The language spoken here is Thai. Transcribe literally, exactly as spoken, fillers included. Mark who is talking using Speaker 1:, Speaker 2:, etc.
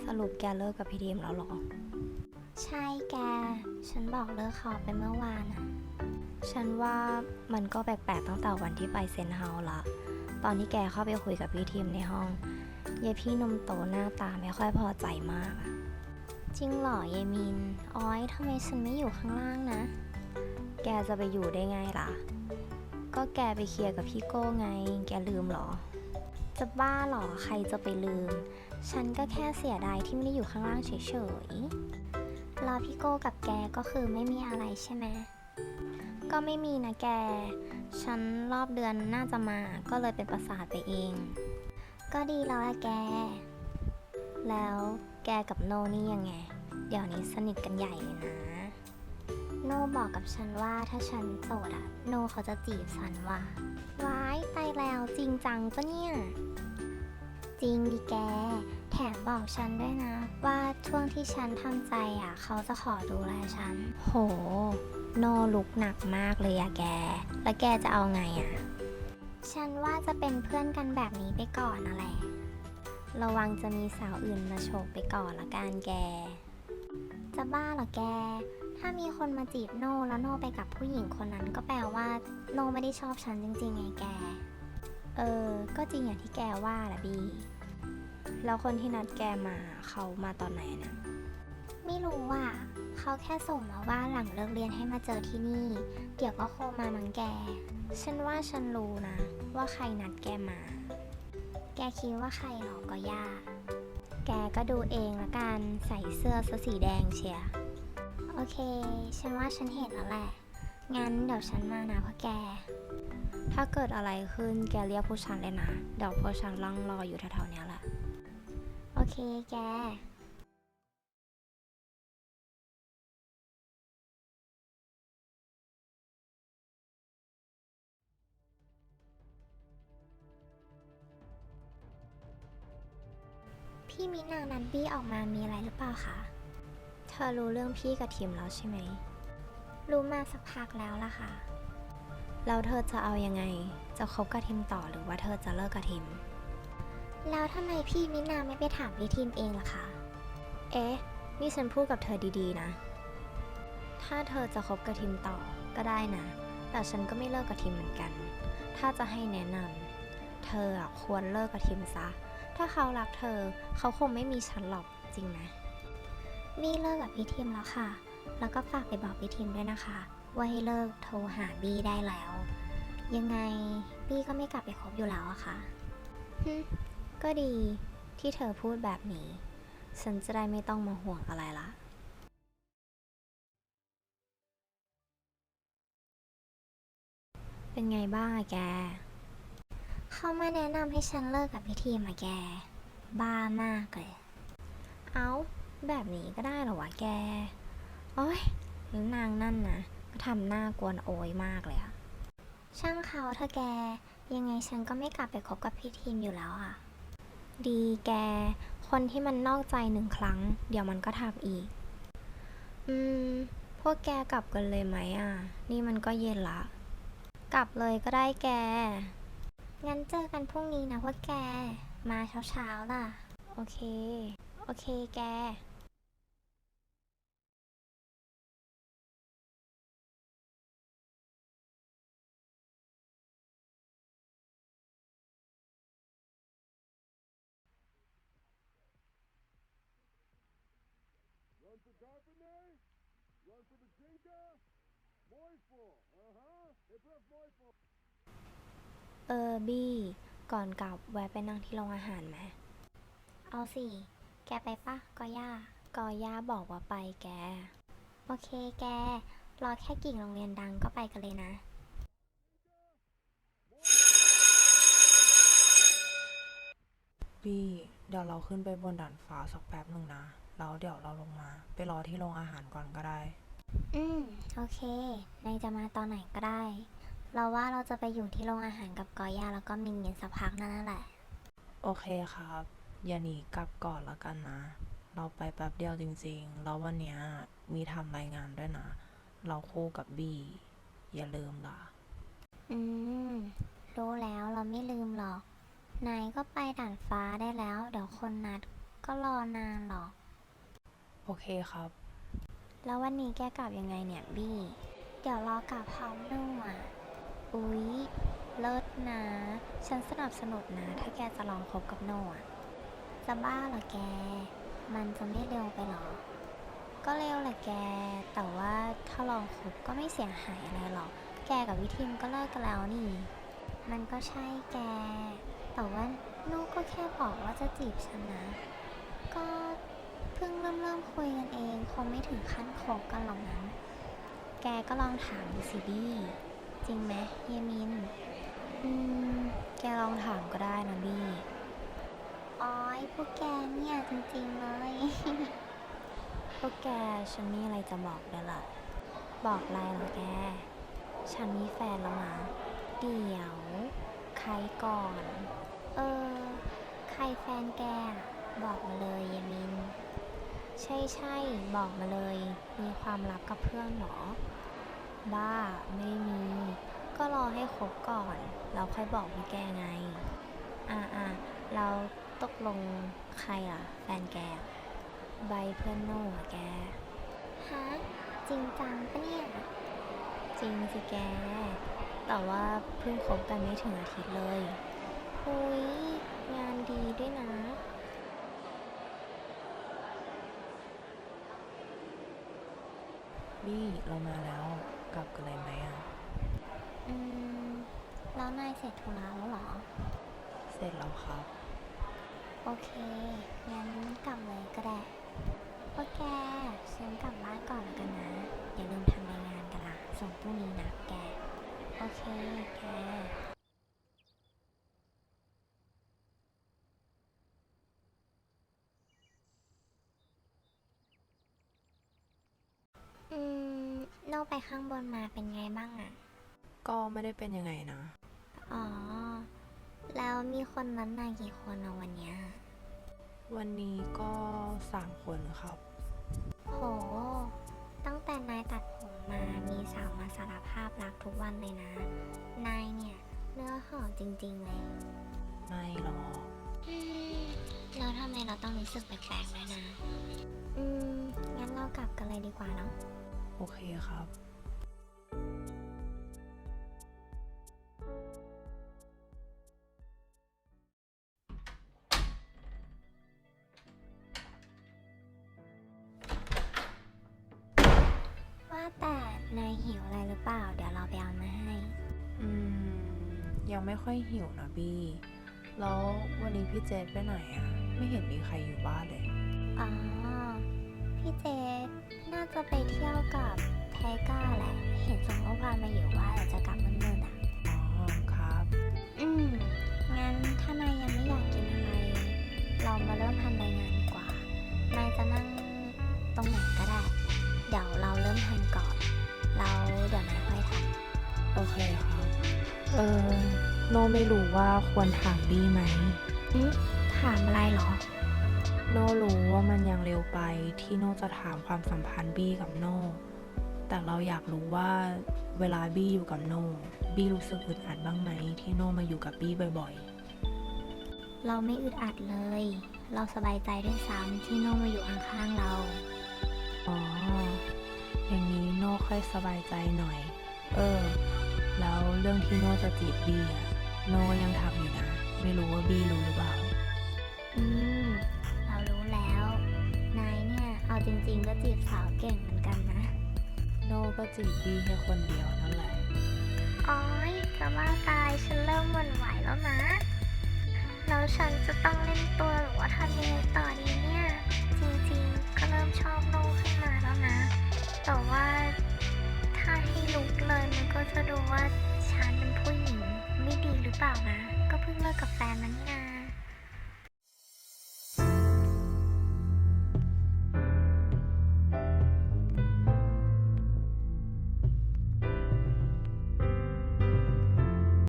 Speaker 1: สรุปแกเลิกกับพี่ดีมแล้วเหรอ
Speaker 2: ใช่แกฉันบอกเลิกเขาไปเมื่อวานอะ
Speaker 1: ฉันว่ามันก็แปลกๆตั้งแต่วันที่ไปเซนเฮาส์ละตอนที่แกเข้าไปคุยกับพี่ทีมในห้องยายพี่นมโตหน้าตาไม่ค่อยพอใจมากอะ
Speaker 2: จริงเหรอยายมินอ้อยทำไมฉันไม่อยู่ข้างล่างนะ
Speaker 1: แกจะไปอยู่ได้ไงล่ะก็แกไปเคลียร์กับพี่โก้ไงแกลืมเหรอ
Speaker 2: จะบ้าเหรอใครจะไปลืมฉันก็แค่เสียดายที่ไม่ได้อยู่ข้างล่างเฉยๆแล้วพี่โก้กับแกก็คือไม่มีอะไรใช่ไหมก็ไม่มีนะแกฉันรอบเดือนน่าจะมาก็เลยเป็นประสาทไปเองก็ดีแล้วละแก
Speaker 1: แล้วแกกับโนนี่ยังไงเดี๋ยวนี้สนิทกันใหญ่เลยนะ
Speaker 2: โนบอกกับฉันว่าถ้าฉันโสดอะโนเขาจะจีบฉันว่ะว้ายตายแล้วจริงจังปะเนี่ยจริงดิแกแถมบอกฉันด้วยนะว่าช่วงที่ฉันทำใจอะเขาจะขอดูแลฉัน
Speaker 1: โหโนลุกหนักมากเลยอะแกแล้วแกจะเอาไงอะ
Speaker 2: ฉันว่าจะเป็นเพื่อนกันแบบนี้ไปก่อนนั่นแหละ
Speaker 1: ระวังจะมีสาวอื่นมาโฉบไปก่อนละกันแก
Speaker 2: จะบ้าเหรอแกถ้ามีคนมาจีบโนแล้วโนไปกับผู้หญิงคนนั้นก็แปลว่าโนไม่ได้ชอบฉันจริงๆไงแก
Speaker 1: เออก็จริงอย่างที่แกว่าแหละบีแล้วคนที่นัดแกมาเขามาตอนไหนนะ
Speaker 2: ไม่รู้อ่ะเขาแค่ส่งมาว่าหลังเลิกเรียนให้มาเจอที่นี่เดี๋ยวก็โคมามังแก
Speaker 1: ฉันว่าฉันรู้นะว่าใครนัดแกมา
Speaker 2: แกคิดว่าใครหรอก็ยาก
Speaker 1: แกก็ดูเองละกันใส่เสื้อสีแดงเชีย
Speaker 2: โอเคฉันว่าฉันเห็นแล้วแหละงั้นเดี๋ยวฉันมานะพ่อแก
Speaker 1: ถ้าเกิดอะไรขึ้นแกเรียกผู้ชันเลยนะเดี๋ยวผู้ชันร่องรออยู่แถวๆนี้แหละ
Speaker 2: โอเคแกพี่มินานันบี้ออกมามีอะไรหรือเปล่าคะ
Speaker 1: เธอรู้เรื่องพี่กับทีมแล้วใช่ไหม
Speaker 2: รู้มาสักพักแล้วล่ะค่ะ
Speaker 1: แล้วเธอจะเอายังไงจะคบกับทีมต่อหรือว่าเธอจะเลิกกับทีม
Speaker 2: แล้วทำไมพี่มินาไม่ไปถามพี่ทีมเองล่ะคะ
Speaker 1: เอ๊ะนี่ฉันพูดกับเธอดีๆนะถ้าเธอจะคบกับทีมต่อก็ได้นะแต่ฉันก็ไม่เลิกกับทีมเหมือนกันถ้าจะให้แนะนำเธอควรเลิกกับทีมซะถ้าเขารักเธอเขาคงไม่มีฉันหรอกจริงไหม
Speaker 2: บี้เลิกกับพี่ทีมแล้วค่ะแล้วก็ฝากไปบอกพี่ทีมด้วยนะคะว่าให้เลิกโทรหาบี้ได้แล้วยังไงบี้ก็ไม่กลับไปคบอยู่แล้วอะค่ะ
Speaker 1: ก็ดีที่เธอพูดแบบนี้ฉันจะได้ไม่ต้องมาห่วงอะไรละเป็นไงบ้างอะแก
Speaker 2: เขามาแนะนำให้ฉันเลิกกับพี่ทีมอะแกบ้ามากเลย
Speaker 1: เอ้าแบบนี้ก็ได้เหรอวะแกโอ๊ยแล้วนางนั่นนะก็ทำหน้ากวนโอยมากเลยอะ
Speaker 2: ช่างเขาเธอแกยังไงฉันก็ไม่กลับไปคบกับพี่ทีมอยู่แล้วอะ
Speaker 1: ดีแกคนที่มันนอกใจหนึ่งครั้งเดี๋ยวมันก็ทำอีกอืมพวกแกกลับกันเลยไหมอ่ะนี่มันก็เย็นละกลับเลยก็ได้แก
Speaker 2: งั้นเจอกันพรุ่งนี้นะพวกแกมาเช้าๆล่ะ
Speaker 1: โอเคโอเคแกเออบี้ก่อนกลับแวะไปนั่งที่โรงอาหารไหม
Speaker 2: เอาสิแกไปปะกอย่า
Speaker 1: ก็ย่าบอกว่าไปแก
Speaker 2: โอเคแกรอแค่กิ่งโรงเรียนดังก็ไปกันเลยนะ
Speaker 3: บี้เดี๋ยวเราขึ้นไปบนด่านฟ้าสักแป๊บหนึ่งนะแล้วเดี๋ยวเราลงมาไปรอที่โรงอาหารก่อนก็ได้
Speaker 2: อืมโอเคนายจะมาตอนไหนก็ได้เราว่าเราจะไปอยู่ที่โรงอาหารกับกอย่าแล้วก็มินเย็นสักพักนั่นแหละ
Speaker 3: โอเคครับอย่าหนีกลับก่อนละกันนะเราไปแป๊บเดียวจริงๆแล้ววันเนี้ยมีทำรายงานด้วยนะเราคู่กับบี้อย่าลืมล่ะ
Speaker 2: อืมรู้แล้วเราไม่ลืมหรอกนายก็ไปด่านฟ้าได้แล้วเดี๋ยวคนนัดก็รอนานหรอก
Speaker 3: โอเคครับ
Speaker 2: แล้ววันนี้แกกลับยังไงเนี่ยบี้ เดี๋ยวรอกลับพร้อมนู่อ่ะ อุ๊ย เลิศนะ ฉันสนับสนุนนะ ถ้าแกจะลองคบกับโน่อะจะบ้าเหรอแก มันจะไม่เร็วไปหรอ ก็เร็วแหละแก แต่ว่าถ้าลองคบก็ไม่เสียหายอะไรหรอก แกกับวิทิมก็เลิกกันแล้วนี่ มันก็ใช่แก แต่ว่าโน่ก็แค่บอกว่าจะจีบฉันนะ ก็เพิ่งเริ่มเริ่มคุยกันเองคงไม่ถึงขั้นคบกันหรอกนะแกก็ลองถามดูสิบี้จริงไหมเยมิน อืม แกลองถามก็ได้นะบี้อ้อยพวกแกเนี่ยจริงๆเลย
Speaker 1: พวกแกฉันมีอะไรจะบอกด้วยล่ะ บอกอะไรเหรอแก ฉันมีแฟนแล้วนะ
Speaker 2: เดี๋ยว ใครก่อน เออ ใครแฟนแกอะบอกมาเลยเยมิน
Speaker 1: ใช่ใช่ๆบอกมาเลย มีความลับกับเพื่อนเหรอ บ้า ไม่มี ก็รอให้คบก่อน แล้วค่อยบอกพี่แกไง อ่าอ่าเราตกลงใครอ่ะ แฟนแกอะใบเพื่อนโน่อะแก
Speaker 2: ฮะ จริงจังปะเนี่ย
Speaker 1: จริงสิแก แต่ว่าเพิ่งคบกันไม่ถึงอาทิตย์เลยหุยงานดีด้วยนะ
Speaker 3: บี้เรามาแล้ว กลับกันเลยไหมอ่ะ
Speaker 2: อืม แล้วนายเสร็จธุระแล้วเหรอ
Speaker 3: เสร็จแล้วครับ
Speaker 2: โอเค งั้นกลับเลยก็ได้โอเคฉันกลับบ้านก่อนแล้วกันนะ อย่าลืมทำรายงานกันละส่งพรุ่งนี้นะแก โอเค แก อืมโน่ไปข้างบนมาเป็นไงบ้างอะ
Speaker 3: ก็ไม่ได้เป็นยังไงนะ
Speaker 2: อ๋อ แล้วมีคนนั้นมากี่คนอะวันเนี้ย
Speaker 3: วันนี้ก็สามคนครับ
Speaker 2: โห ตั้งแต่นายตัดผมมา มีสาวมาสารภาพรักทุกวันเลยนะ นายเนี่ยเนื้อหอมจริงๆเลย
Speaker 3: ไม่หรอก
Speaker 2: อืมแล้วทำไมเราต้องรู้สึกแปลกๆด้วยนะ อืม งั้นเรากลับกันเลยดีกว่าเนาะ
Speaker 3: โอเคครับ
Speaker 2: ว่าแต่นายหิวอะไรหรือเปล่า เดี๋ยวเราไปเอามาให้
Speaker 3: อืม ยังไม่ค่อยหิวนะบี้ แล้ววันนี้พี่เจษไปไหนอ่ะ ไม่เห็นมีใครอยู่บ้านเลย
Speaker 2: อ๋อ พี่เจษน่าจะไปเที่ยวกับไทก้าแหละ เห็นส่งข้อความมาอยู่ว่าเดี๋ยวจะกลับมืดๆอ่ะ
Speaker 3: อ๋อครับ
Speaker 2: อืม งั้นถ้านายยังไม่อยากกินอะไร เรามาเริ่มทำรายงานดีกว่า นายจะนั่งตรงไหนก็ได้ เดี๋ยวเราเริ่มทำก่อน เราเดี๋ยวนายค่อยท
Speaker 3: โอเคครับ เออ โนไม่รู้ว่าควรถามบี้ไหม
Speaker 2: ำถามอะไรเหรอ
Speaker 3: โนรู้ว่ามันยังเร็วไปที่โนจะถามความสัมพันธ์บี้กับโน แต่เราอยากรู้ว่าเวลาบี้อยู่กับโน บี้รู้สึกอึดอัดบ้างไหมที่โนมาอยู่กับบี้บ่อย
Speaker 2: เราไม่อึดอัดเลย เราสบายใจด้วยซ้ำที่โน่มาอยู่ข้างๆเรา
Speaker 3: ๆ อ๋อ อย่างนี้โนค่อยสบายใจหน่อย เออ แล้วเรื่องที่โนจะจีบบี้อะโนยังทำอยู่นะ ไม่รู้ว่าบี้รู้หรือเปล่า
Speaker 2: อืม เรารู้แล้ว นายเนี่ย เอาจริงๆก็จีบสาวเก่งเหมือนกันนะ
Speaker 3: โนก็จีบบี้แค่คนเดียวนั่นแหละ
Speaker 2: อ้อยจะว่าตายฉันเริ่มหวั่นไหวแล้วนะ แล้วฉันจะต้องเล่นตัวหรือว่าทำยังไงต่อดีเนี่ย จริงๆ ก็เริ่มชอบโน่ขึ้นมาแล้วนะ แต่ว่าถ้าให้ลุกเลยมันก็จะดูว่าฉันเป็นผู้หญิงไม่ดีหรือเปล่านะ ก็เพิ่งเลิกกับแฟนมานี่นา